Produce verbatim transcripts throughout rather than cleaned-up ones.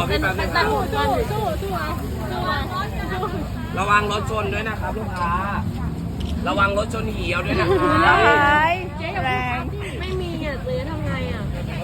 พี่แป๊บนึงครับสู้สู้สู้สู้เอาสู้เอาสู้ระวังรถชนด้วยนะครับลูกค้า ระวังรถชนเหี่ยวด้วยนะครับเจ๊แรงไม่มีอ่ะเจ๊ทำไงอ่ะ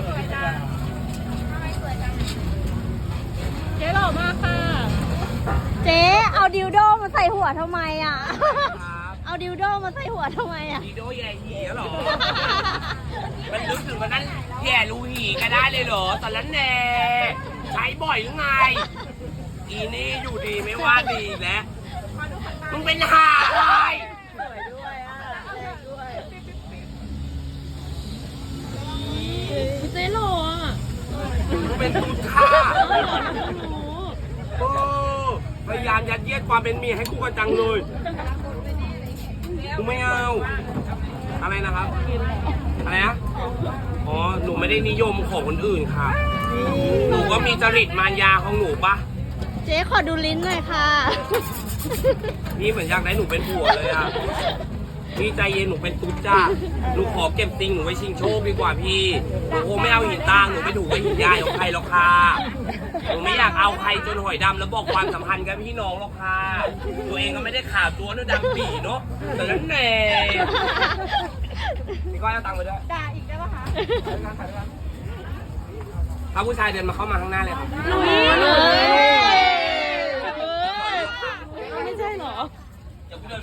เจ๊หล่อมากค่ะเจ๊เอาดิวโดมาใส่หัวทำไมอ่ะครับเอาดิวโดมาใส่หัวทำไมอ่ะดีโดแย่เหี่ยวเหรอ มันนึกถึงวันนั้นแย่รูหีก็ได้เลยเหรอตอนนั้นแน่ใช้บ่อยหรือไง อีนี่อยู่ดีไม่ว่าดีอีกแล้วมึงเป็นห่าอะไรสวยด้วยอ่ะแรงด้วยเจ๊หล่ออ่ะมึงเป็นตุ๊ดค่ะหล่อนะหนูโอ้พยายามยัดเยียดความเป็นเมียให้กูกันจังเลยกูไม่เอา อะไรนะครับ อะไรนะ อ๋อ หนูไม่ได้นิยมของคนอื่นค่ะ หนูก็มีจริตมารยาของหนูปะเจ๊ขอดูลิ้นหน่อยค่ะนี่เหมือนอยากได้หนูเป็นผัวเลยอ่ะ พี่ใจเย็นหนูเป็นตุ๊ดจ้าหนูขอเก็บติงหนูไว้ชิงโชคดีกว่าพี่ หนูคงไม่เอาหินตางหนูไม่ถูกกับหินยายของใครหรอกค่ะ หนูไม่อยากเอาใครจนหอยดำแล้วบอกความสัมพันธ์กับพี่น้องหรอกค่ะ ตัวเองก็ไม่ได้ข่าวตัวนู้นดำปีเนาะแต่นั้นแน่พี่ก้อยเอาตังค์ไปด้วยด่าอีกได้ปะคะถ้าผู้ชายเดินมาเข้ามาข้างหน้าเลยครับลุยเฮ้ย